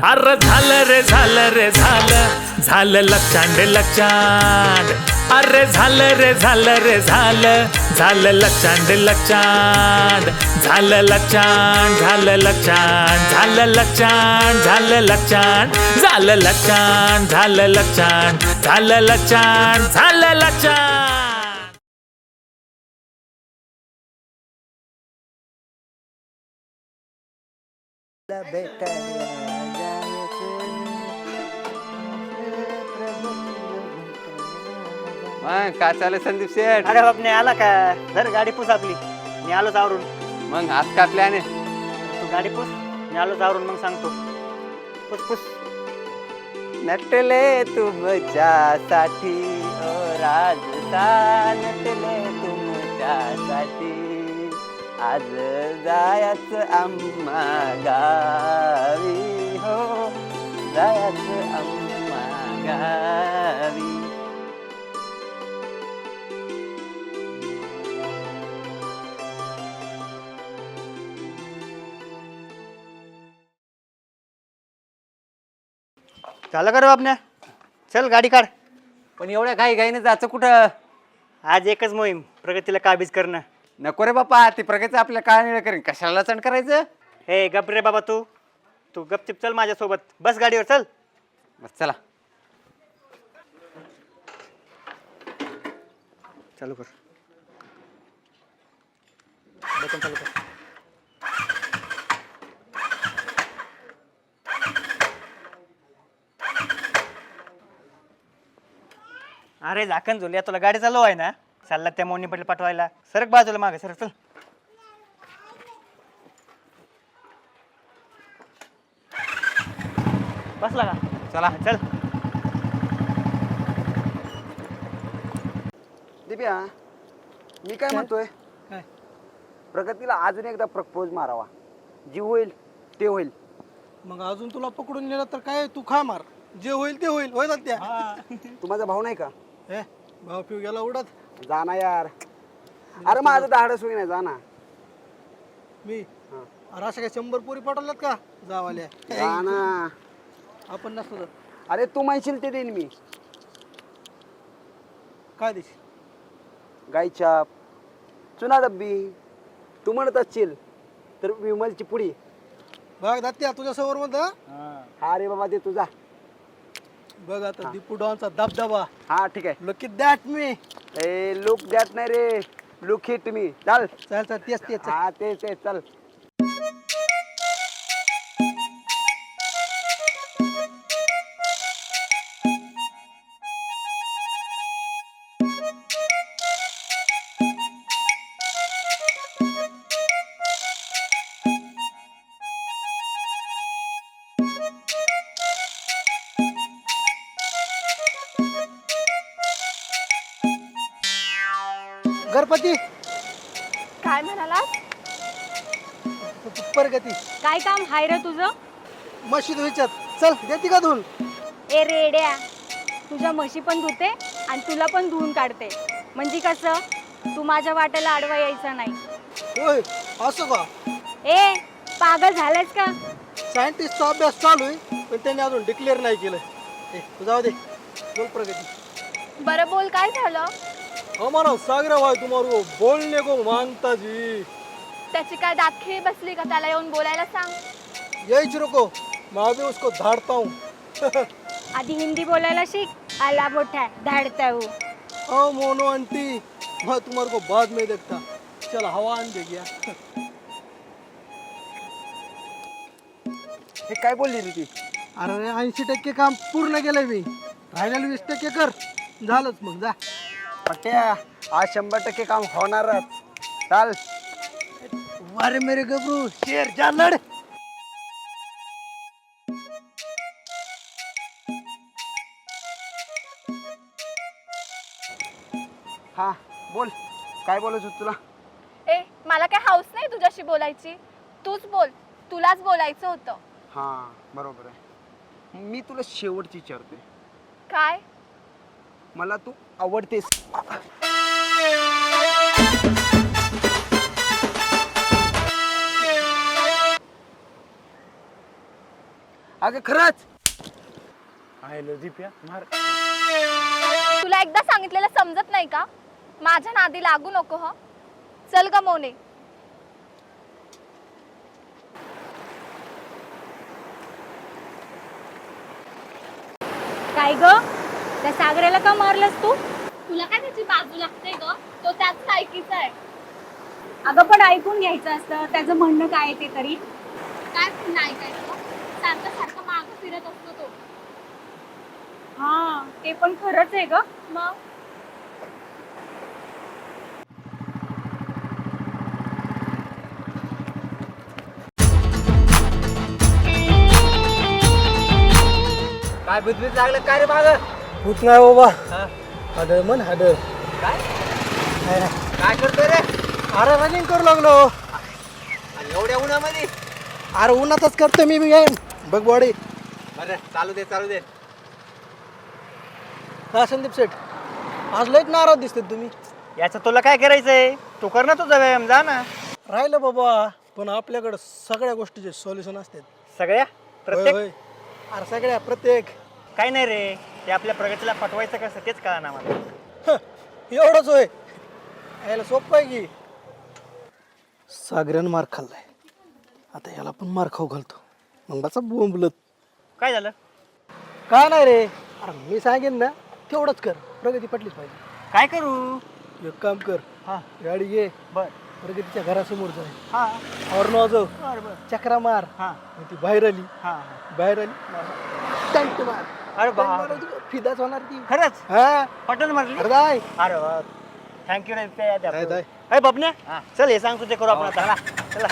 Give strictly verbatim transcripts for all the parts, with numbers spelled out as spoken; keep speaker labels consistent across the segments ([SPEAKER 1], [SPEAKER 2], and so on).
[SPEAKER 1] अरे झालं रे झालं रे झालं झालं लक्षांड लक्षांड अरे झालं रे झालं रे झालं झालं लक्षांड लक्षांड झालं लक्षांड झालं लक्षांड झालं लक्षांड झालं लक्षांड झालं लक्षांड झालं लक्षांड झालं लक्षांड झालं लक्षांड
[SPEAKER 2] मग काय चालेल संदीप शेठ?
[SPEAKER 3] अरे बाप नाही आला का धर गाडी पुस आपली मी आलोच आवरून
[SPEAKER 2] मग आज काय प्लॅन आहे?
[SPEAKER 3] तू गाडी पुस मी आलोच आवरून मग सांगतो पुस पुस
[SPEAKER 2] नटले तुमच्यासाठी ओ राजस्थान नटले तुमच्यासाठी आज जायच आम्हा गावी हो जायच आम्हा गावी.
[SPEAKER 3] झालं का रे बापण्या चल गाडी काढ.
[SPEAKER 2] पण एवढ्या घाई घाईने जायचं कुठं?
[SPEAKER 3] आज एकच मोहीम प्रगतीला काबीज करणं.
[SPEAKER 2] नको रे बापा ती प्रगती आपल्या काय निळ करेन कशाला चण करायचं.
[SPEAKER 3] हे गप रे बाबा तू तू गपचिप चल माझ्यासोबत बस गाडीवर चल.
[SPEAKER 2] बस चला
[SPEAKER 3] चालू कर बटन चालू कर. अरे झाकण झोल्या तुला गाडी चालू आहे ना चालला त्या मोनी पटेल पाठवायला सरक बाजूला मागे सरक चल. बसला का
[SPEAKER 2] चला
[SPEAKER 3] चल.
[SPEAKER 4] दिप्या मी काय म्हणतोय
[SPEAKER 3] काय?
[SPEAKER 4] प्रगतीला अजून एकदा प्रपोज मारावा जी होईल ते होईल.
[SPEAKER 5] मग अजून तुला पकडून नेलं तर काय तू खा मार जे होईल ते होईल होय त्या
[SPEAKER 4] तू माझा भाऊ नाही का?
[SPEAKER 5] हे भाऊ पिऊ गेला उडत
[SPEAKER 4] जा ना यार. अरे माझं धाडस होई नाही जा ना.
[SPEAKER 5] मी अरे अशा काय शंभर पोरी पाठवल्यात का जावाल्या
[SPEAKER 4] जा ना.
[SPEAKER 5] आपण नसतो तर
[SPEAKER 4] अरे तू म्हणशील ते देईन मी.
[SPEAKER 5] काय देशील?
[SPEAKER 4] गायछाप चुना डब्बी तू म्हणत असशील तर विमलची पुडी.
[SPEAKER 5] बघ दात्या तुझ्या समोर म्हणत
[SPEAKER 4] हा रे बाबा दे तुझा.
[SPEAKER 5] बघ आता दीपू डॉनचा दबदबा
[SPEAKER 4] हा ठीक आहे.
[SPEAKER 5] लकी दॅट मी
[SPEAKER 4] ए लुक दॅट नाही रे लुक हिट मी. चल
[SPEAKER 5] चल चल तेच तेच
[SPEAKER 4] हा ते ते चल.
[SPEAKER 5] गणपती
[SPEAKER 6] काय म्हणाला?
[SPEAKER 5] प्रगती
[SPEAKER 6] काय काम हाय रे तुझं?
[SPEAKER 5] मशीद विचार चल देते का धुवून?
[SPEAKER 6] ए रेड्या तुझ्या म्हशी पण धुते आणि तुला पण धुवून काढते म्हणजे कसं तू माझ्या वाट्याला आडवा यायचा नाही.
[SPEAKER 5] होय असं का?
[SPEAKER 6] ए पागल झालायस का?
[SPEAKER 5] सायंटिस्टचा अभ्यास चालू आहे पण त्यांनी अजून डिक्लेअर नाही केलं. ए तू जाऊ दे बोल प्रगती.
[SPEAKER 6] बरं बोल काय झालं?
[SPEAKER 5] हमारा सागरा भाई तुम्हारे बोलने को मांगता जी.
[SPEAKER 6] त्याची काय दातखिळी बसली का त्याला येऊन बोलायला सांग.
[SPEAKER 5] यही रुको मैं भी उसको धाड़ता हूँ.
[SPEAKER 6] आधी हिंदी बोलायला शिक. आला मोठा धाडता हूँ.
[SPEAKER 5] ओ मोनो आंटी मैं तुम्हारे को बाद में देखता. चल हवा आन दे गया.
[SPEAKER 4] हे काय बोलली रे ती?
[SPEAKER 5] अरे ऐंशी टक्के काम पूर्ण केलंय मी राहिलेलं वीस टक्के कर झालंच मग जा.
[SPEAKER 4] पट्ट्या आज शंभर टक्के काम होणारच. चाल.
[SPEAKER 5] अरे मेरे गबरू शेर जा लढ.
[SPEAKER 4] हा बोल काय बोलायचं होतं तुला?
[SPEAKER 6] ए मला काय हाऊस नाही तुझ्याशी बोलायची. तूच बोल तुलाच बोलायचं होतं.
[SPEAKER 4] हा बरोबर आहे. मी तुला शेवटची विचारते
[SPEAKER 6] काय?
[SPEAKER 4] मला तू आवडतेस? अगं खरंच
[SPEAKER 1] आयलो दीप्या मार.
[SPEAKER 7] तुला एकदा सांगितलेलं समजत नाही का? माझ्या नादी लागू नको ह. चल ग मोने.
[SPEAKER 6] काय ग त्या सागराला का मारलंस तू?
[SPEAKER 7] तुला काय त्याची बाजू लागते ग? तो त्याच लायकीचा आहे.
[SPEAKER 6] अगं पण ऐकून घ्यायचं असतं त्याचं म्हणणं काय आहे ते तरी.
[SPEAKER 7] काय नाही काय सारखं सारखं मागं फिरत असतो तो.
[SPEAKER 6] हा ते पण खरंच आहे ग.
[SPEAKER 7] मग
[SPEAKER 2] काय बुजबुज लागलं काय रे माग
[SPEAKER 5] होत नाही बाबा हाडळ मन हाडळ
[SPEAKER 2] काय करतोय रे
[SPEAKER 5] अरे रनिंग करू लागलो.
[SPEAKER 2] आणि एवढ्या उन्हामध्ये?
[SPEAKER 5] अरे उन्हातच करतो मी गेम बघ बॉडी.
[SPEAKER 2] बरं चालू दे चालू दे.
[SPEAKER 5] हा संदीप सेठ आज लयच नाराज दिसते तुम्ही.
[SPEAKER 3] याचं तुला काय करायचंय? तू कर ना तुझा व्यायाम, जा ना.
[SPEAKER 5] राहिलं बाबा पण आपल्याकडं सगळ्या गोष्टीचे सोल्युशन असतात.
[SPEAKER 3] सगळ्या
[SPEAKER 5] होय,
[SPEAKER 3] प्रत्येक
[SPEAKER 5] होय. अरे सगळ्या प्रत्येक
[SPEAKER 3] काय नाही रे, ते आपल्या प्रगतीला पटवायचं कसं तेच कळा ना मला.
[SPEAKER 5] हं, एवढंच होय. याला सोपं आहे की सागऱ्यानं मार खाल्लाय आता याला पण मार खाऊ घालतो मग बसा बोंबलत.
[SPEAKER 3] काय झालं?
[SPEAKER 5] काय नाही रे, अरे मी सांगेन ना तेवढंच कर, प्रगती पटलीच पाहिजे.
[SPEAKER 3] काय करू?
[SPEAKER 5] एक काम कर,
[SPEAKER 3] हा
[SPEAKER 5] गाडी घे
[SPEAKER 3] बर
[SPEAKER 5] प्रगतीच्या घरासमोर जाय
[SPEAKER 3] हा
[SPEAKER 5] और वाजव
[SPEAKER 3] बर बर
[SPEAKER 5] चक्रा मार.
[SPEAKER 3] हा
[SPEAKER 5] मग ती बाहेर आली
[SPEAKER 3] हा
[SPEAKER 5] बाहेर आली टंट मार.
[SPEAKER 3] अरे
[SPEAKER 5] टंट
[SPEAKER 3] बा
[SPEAKER 5] मारायची, फिदाच होणार ती.
[SPEAKER 3] खरंच
[SPEAKER 5] हा
[SPEAKER 3] पटन मारली.
[SPEAKER 5] अरे जाय
[SPEAKER 3] अरे वा थँक्यू रे ते याद
[SPEAKER 5] जाय, जाय.
[SPEAKER 3] अरे बापने चल हे सांगतो ते करू आपण आता. चला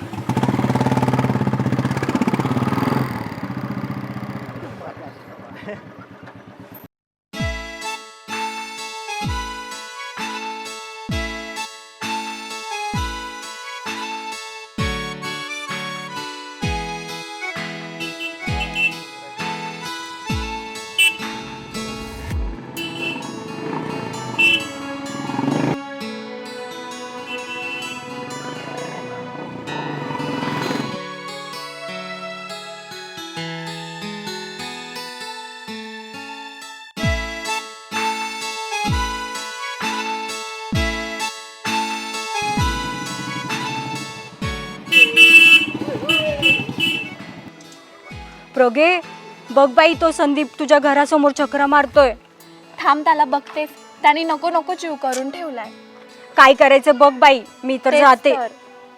[SPEAKER 6] प्रगे बघ बाई तो संदीप तुझ्या घरासमोर चक्रा मारतोय.
[SPEAKER 7] थांब त्याला बघतेस. त्याने नको नको जीव करून ठेवलाय.
[SPEAKER 6] काय करायचं बघ बाई, मी तर
[SPEAKER 7] तेच
[SPEAKER 6] जाते.
[SPEAKER 7] तर.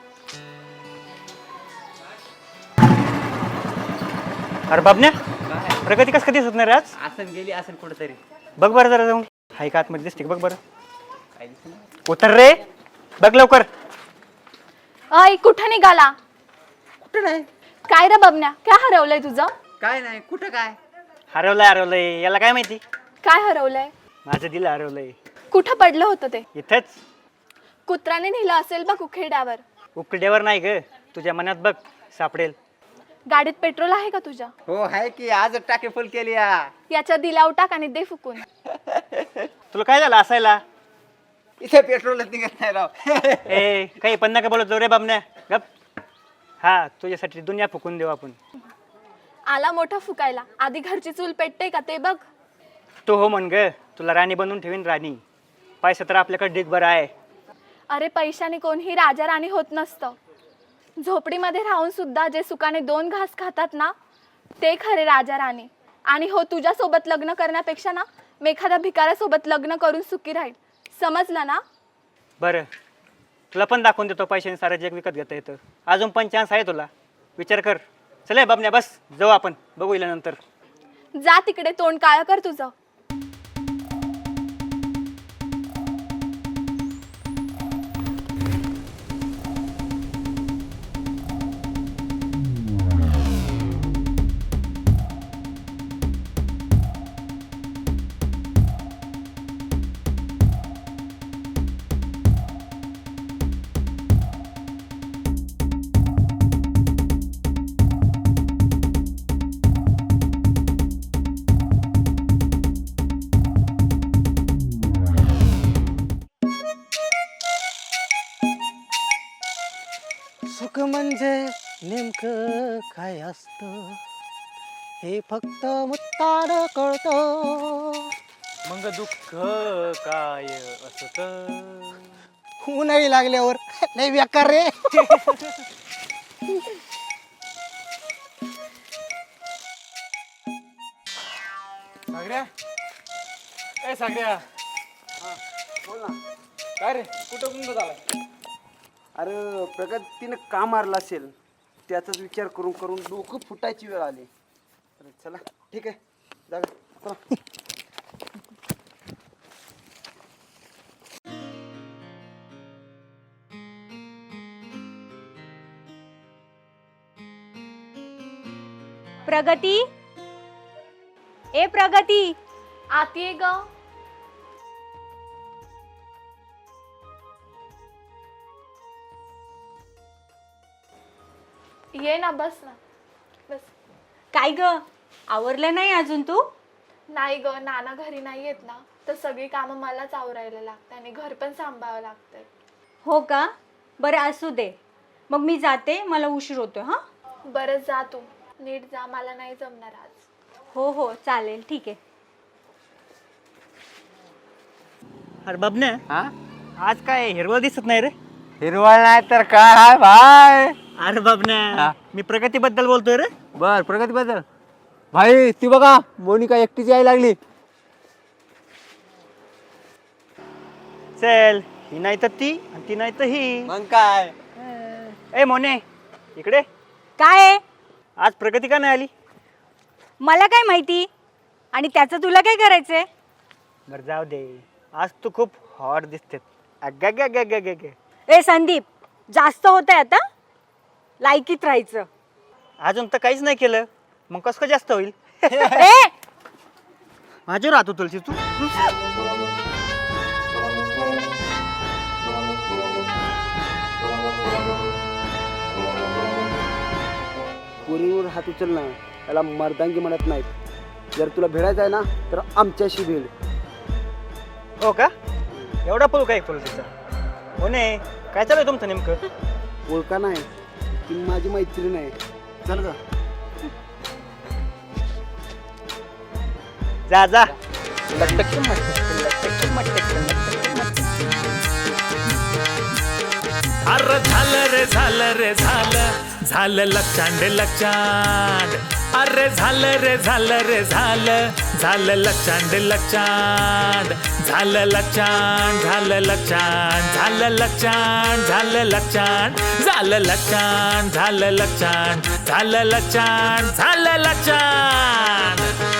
[SPEAKER 3] अरे बापने प्रगती कस कधी दिसत नाही रे आज?
[SPEAKER 2] आसन गेली आसन कुठेतरी.
[SPEAKER 3] बघ बरं जरा जाऊन. हाय का आतमध्ये दिसते का? बघ बरं.
[SPEAKER 2] काय दिसलं?
[SPEAKER 3] उतर रे, बघ लवकर.
[SPEAKER 7] अय कुठं निघाला?
[SPEAKER 2] कुठं नाही
[SPEAKER 7] काय रे बबन्या, काय हरवलंय तुझं?
[SPEAKER 2] काय नाही कुठं काय.
[SPEAKER 3] हरवलंय हरवलंय याला काय माहिती?
[SPEAKER 7] काय हरवलंय?
[SPEAKER 3] माझं दिल हरवलंय
[SPEAKER 7] कुठं पडलं होतं ते?
[SPEAKER 3] इथंच.
[SPEAKER 7] कुत्र्याने नेलं असेल बघ उखेड्यावर.
[SPEAKER 3] उकड्यावर नाही ग, तुझ्या मनात बघ सापडेल.
[SPEAKER 7] गाडीत पेट्रोल आहे का तुझ्या?
[SPEAKER 2] हो आहे की आज टाके फुल केली या.
[SPEAKER 7] याच्या दिलाव टाक आणि दे फुकून.
[SPEAKER 3] तुला काय झालं असायला?
[SPEAKER 2] इथे पेट्रोलच निघत नाही राव.
[SPEAKER 3] ए काही पण नका बोलत जाऊ रे बाबण्या, गप. हा तुझ्यासाठी दुनिया फुकून देऊ आपण.
[SPEAKER 7] आला मोठा फुकायला, आधी घरची चूल पेटते का ते बघ.
[SPEAKER 3] तू हो म्हण ग, तुला राणी बनवून ठेवीन राणी. पैसा तर आपल्याकडे ढीगभर आहे.
[SPEAKER 7] अरे पैशाने कोणीही राजा राणी होत नसतं. झोपडीमध्ये राहून सुद्धा जे सुखाने दोन घास खातात ना, ते खरे राजा राणी. आणि हो तुझ्यासोबत लग्न करण्यापेक्षा ना मी एखाद्या भिकाऱ्यासोबत लग्न करून सुखी राहील. समजलं ना?
[SPEAKER 3] बरं तुला पण दाखवून देतो, पैशाने सारं जग विकत घेता येतं. अजून पण चान्स आहे तुला, विचार कर. चल बाबण्या बस, जाऊ आपण, बघू इला नंतर.
[SPEAKER 7] जा तिकडे, तोंड काळं कर तुझं.
[SPEAKER 5] सुख म्हणजे नेमकं काय असतं हे फक्त मुत्ताड कळतं.
[SPEAKER 3] मग दुःख काय असत?
[SPEAKER 5] उन्हाळी लागल्यावर लय बेकार रे.
[SPEAKER 2] सागऱ्या ए सागऱ्या
[SPEAKER 4] बोल ना.
[SPEAKER 2] काय रे कुठं गुंग झालाय?
[SPEAKER 4] अरे प्रगतीनं का मारला असेल त्याचाच विचार करून करून डोकं फुटायची वेळ आली. अरे चला ठीक आहे जागा चला.
[SPEAKER 6] प्रगती, ए प्रगती,
[SPEAKER 7] आतीये ग. ये ना, बस ना, बस.
[SPEAKER 6] काय ग आवरलं नाही अजून तू?
[SPEAKER 7] नाही ग, नाना घरी नाही येत ना, तर सगळी कामं मलाच आवरायला लागतात आणि घर पण सांभाळावं लागतंय.
[SPEAKER 6] हो का, बरं असू दे, मग मी जाते, मला उशीर होतोय. हा
[SPEAKER 7] बरं जा तू, नीट जा, मला नाही जमणार आज.
[SPEAKER 6] हो हो चालेल, ठीक आहे.
[SPEAKER 3] अरे बाबण्या,
[SPEAKER 2] हा
[SPEAKER 3] आज काय हिरवळ दिसत नाही रे.
[SPEAKER 2] हिरवळ नाही तर काय हाय भाई.
[SPEAKER 3] अरे बाबण्या, मी प्रगतीबद्दल बोलतोय रे.
[SPEAKER 2] बर प्रगती बद्दल भाई ती बघा मोनिका एकटीच यायला लागली.
[SPEAKER 3] चल, ही नाही तर ती आणि ती नाही तर ही.
[SPEAKER 2] मग काय
[SPEAKER 3] ए मोने, इकडे.
[SPEAKER 6] काय आहे?
[SPEAKER 3] आज प्रगती का नाही आली?
[SPEAKER 6] मला काय माहिती, आणि त्याचं तुला काय करायचंय?
[SPEAKER 3] बरं जाऊ दे, आज तू खूप हॉट दिसते. अग्गा.
[SPEAKER 6] ए संदीप, जास्त होत आहे आता, लायकीत राहायचं.
[SPEAKER 3] अजून तर काहीच नाही केलं, मग कसं काय जास्त होईल?
[SPEAKER 6] ए
[SPEAKER 3] माझ्यावर राहतो तुलसी तू.
[SPEAKER 4] पोरीवर हात उचल ना, त्याला मर्दांगी म्हणत नाहीत. जर तुला भिडायचं आहे ना तर आमच्याशी भिड.
[SPEAKER 3] हो का? एवढा पळू काय तुलसीचा? हो नाही, काय चालू आहे तुमचं नेमकं?
[SPEAKER 4] ओळखा नाही, ती माझी मैत्रीण आहे. चल ग.
[SPEAKER 3] जा जा.
[SPEAKER 1] अरे झालं रे झालं रे झालं झालं लक्षांड लक्षांड. अरे झालं रे झालं रे झालं झालं लक्षांड लक्षांड. झालं लक्षांड झालं लक्षांड झालं लक्षांड झालं लक्षांड झालं लक्षांड झालं लक्षांड झालं लक्षांड झालं लक्षांड.